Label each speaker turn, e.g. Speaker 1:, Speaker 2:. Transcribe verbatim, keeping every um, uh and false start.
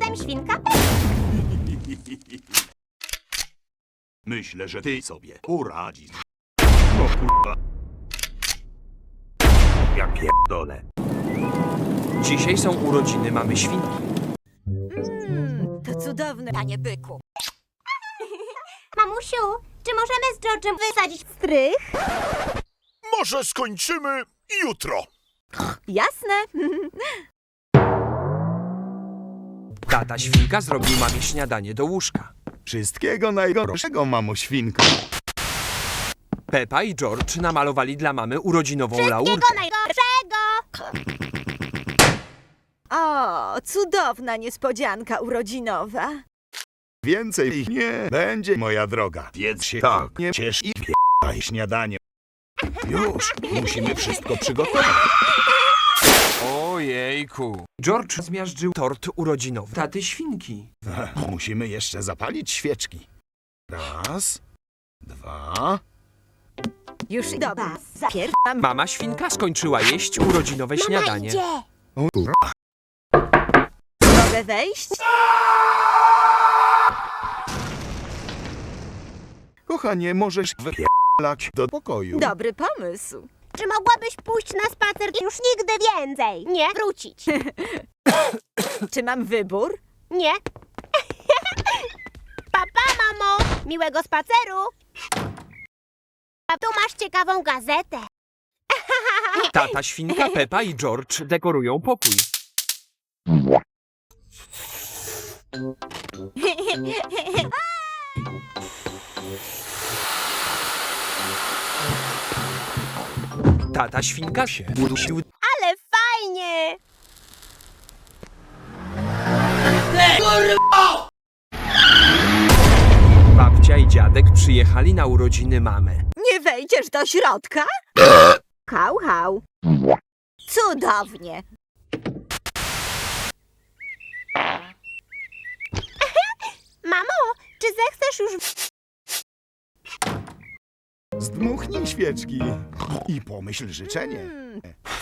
Speaker 1: jestem świnka.
Speaker 2: Myślę, że ty sobie poradzisz. O kurwa. Ja pierdolę.
Speaker 3: Dzisiaj są urodziny mamy świnki.
Speaker 4: Mm, to cudowne, panie byku.
Speaker 1: Mamusiu, czy możemy z George'em wysadzić strych?
Speaker 5: Może skończymy jutro.
Speaker 4: Jasne.
Speaker 3: Tata świnka zrobił mamie śniadanie do łóżka.
Speaker 2: Wszystkiego najgorszego, mamo świnko.
Speaker 3: Pepa i George namalowali dla mamy urodzinową
Speaker 1: Wszystkiego
Speaker 3: laurkę.
Speaker 1: najgorszego!
Speaker 4: O, cudowna niespodzianka urodzinowa.
Speaker 2: Więcej ich nie będzie, moja droga. Wiedz się tak, nie ciesz i p***aj śniadanie. Już, musimy wszystko przygotować.
Speaker 3: Ojejku. George zmiażdżył tort urodzinowy taty świnki.
Speaker 2: Musimy jeszcze zapalić świeczki. Raz, dwa...
Speaker 4: Już dobra. Pierwsza
Speaker 3: Mama świnka skończyła jeść urodzinowe śniadanie.
Speaker 1: Idzie.
Speaker 2: O, kurwa.
Speaker 4: mogę wejść?
Speaker 2: Kochanie, możesz wypierdalać do pokoju.
Speaker 4: Dobry pomysł.
Speaker 1: Czy mogłabyś pójść na spacer i już nigdy więcej? Nie. Wrócić.
Speaker 4: Czy mam wybór?
Speaker 1: Nie. Papa, mamo. Miłego spaceru. A tu masz ciekawą gazetę.
Speaker 3: Tata świnka, Pepa i George dekorują pokój. Tata świnka się udusił.
Speaker 1: Ale fajnie.
Speaker 3: Babcia i dziadek przyjechali na urodziny mamy.
Speaker 4: Nie wejdziesz do środka? Hał, hał. Cudownie.
Speaker 1: Mamo, czy zechcesz już...
Speaker 2: Zdmuchnij świeczki i pomyśl życzenie.
Speaker 4: Mm,